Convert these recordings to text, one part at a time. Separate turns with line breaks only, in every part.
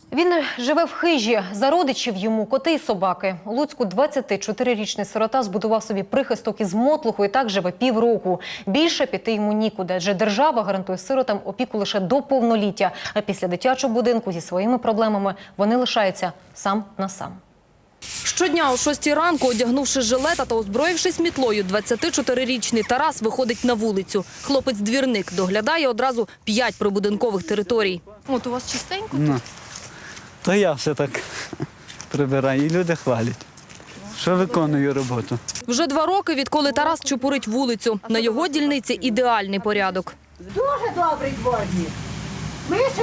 Він живе в хижі. За родичів йому коти і собаки. У Луцьку 24-річний сирота збудував собі прихисток із мотлуху і так живе півроку. Більше піти йому нікуди, адже держава гарантує сиротам опіку лише до повноліття. А після дитячого будинку зі своїми проблемами вони лишаються сам на сам. Щодня о 6 ранку, одягнувши жилета та озброївшись мітлою, 24-річний Тарас виходить на вулицю. Хлопець-двірник доглядає одразу 5 прибудинкових територій.
От у вас чистенько?
Ну, то я все так прибираю, і люди хвалять, що виконую роботу.
Вже 2 роки, відколи Тарас чупурить вулицю. На його дільниці ідеальний порядок.
Дуже добрий дворник. Ми ще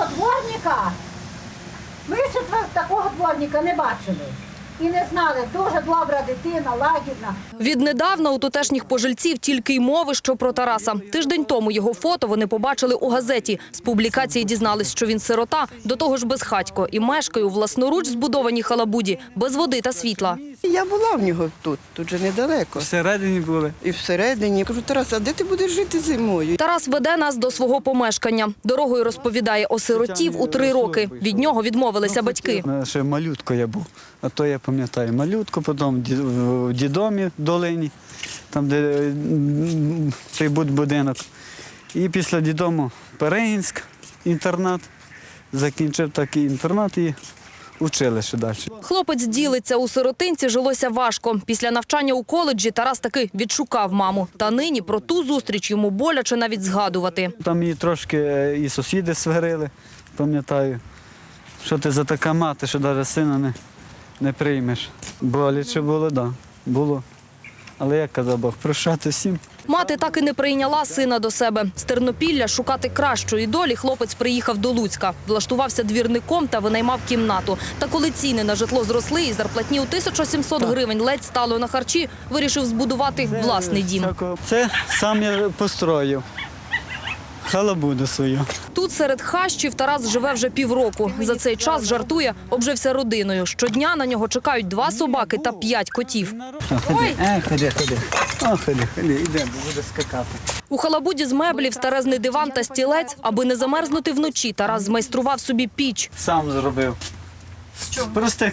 такого дворника не бачили. І не знали, дуже добра дитина, лагідна.
Віднедавна у тутешніх пожильців тільки й мови, що про Тараса. Тиждень тому його фото вони побачили у газеті. З публікації дізнались, що він сирота, до того ж безхатько, і мешкає у власноруч збудованій халабуді, без води та світла.
Я була в нього тут же недалеко.
Всередині були.
І всередині. Кажу, Тарас, а де ти будеш жити зимою?
Тарас веде нас до свого помешкання. Дорогою розповідає, осиротів у 3 роки. Від нього відмовилися батьки.
Ще малютко я був, а то я пам'ятаю малютко, потім в дідомі в долині, там де цей будинок. І після дідому Перегінськ, інтернат, закінчив такий інтернат і училище далі.
Хлопець ділиться, у сиротинці жилося важко. Після навчання у коледжі Тарас таки відшукав маму. Та нині про ту зустріч йому боляче навіть згадувати.
Там її трошки і сусіди сварили, пам'ятаю. Що ти за така мати, що навіть сина не приймеш. Боляче було, так, було. Але як казав Бог, прощати всім.
Мати так і не прийняла сина до себе. З Тернопілля шукати кращої долі хлопець приїхав до Луцька. Влаштувався двірником та винаймав кімнату. Та коли ціни на житло зросли і зарплатні у 1700 гривень ледь стало на харчі, вирішив збудувати власний дім.
Це сам я построїв. Халабуду свою.
Тут серед хащів Тарас живе вже півроку. За цей час, жартує, обжився родиною. Щодня на нього чекають 2 собаки та 5 котів.
Ходи. Ходи, йдемо, буде скакати.
У халабуді з меблів старезний диван та стілець. Аби не замерзнути вночі, Тарас змайстрував собі піч.
Сам зробив. З простих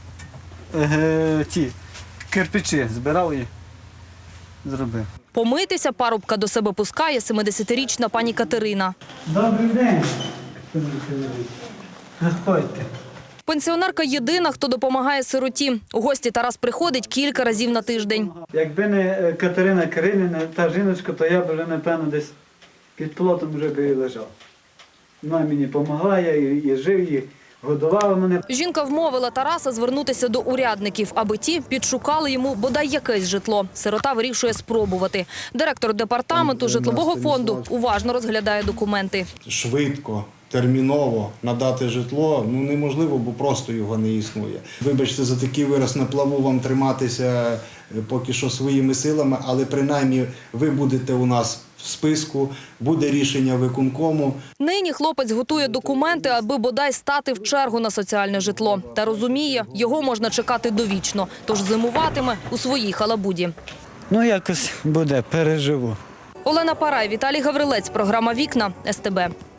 ті кирпичі збирав і зробив.
Помитися парубка до себе пускає 70-річна пані Катерина.
Добрий день. Заходьте.
Пенсіонерка єдина, хто допомагає сироті. У гості Тарас приходить кілька разів на тиждень.
Якби не Катерина Кирилівна, та жіночка, то я б вже, напевно, десь під плотом вже би і лежав. Вона мені допомагає, і жив, і годувала мене.
Жінка вмовила Тараса звернутися до урядників, аби ті підшукали йому бодай якесь житло. Сирота вирішує спробувати. Директор департаменту житлового фонду уважно розглядає документи.
Швидко, терміново надати житло неможливо, бо просто його не існує. Вибачте за такий вираз, на плаву вам триматися поки що своїми силами, але принаймні ви будете у нас в списку, буде рішення виконкому.
Нині хлопець готує документи, аби бодай стати в чергу на соціальне житло. Та розуміє, його можна чекати довічно, тож зимуватиме у своїй халабуді.
Якось буде, переживу.
Олена Парай, Віталій Гаврилець, програма «Вікна», СТБ.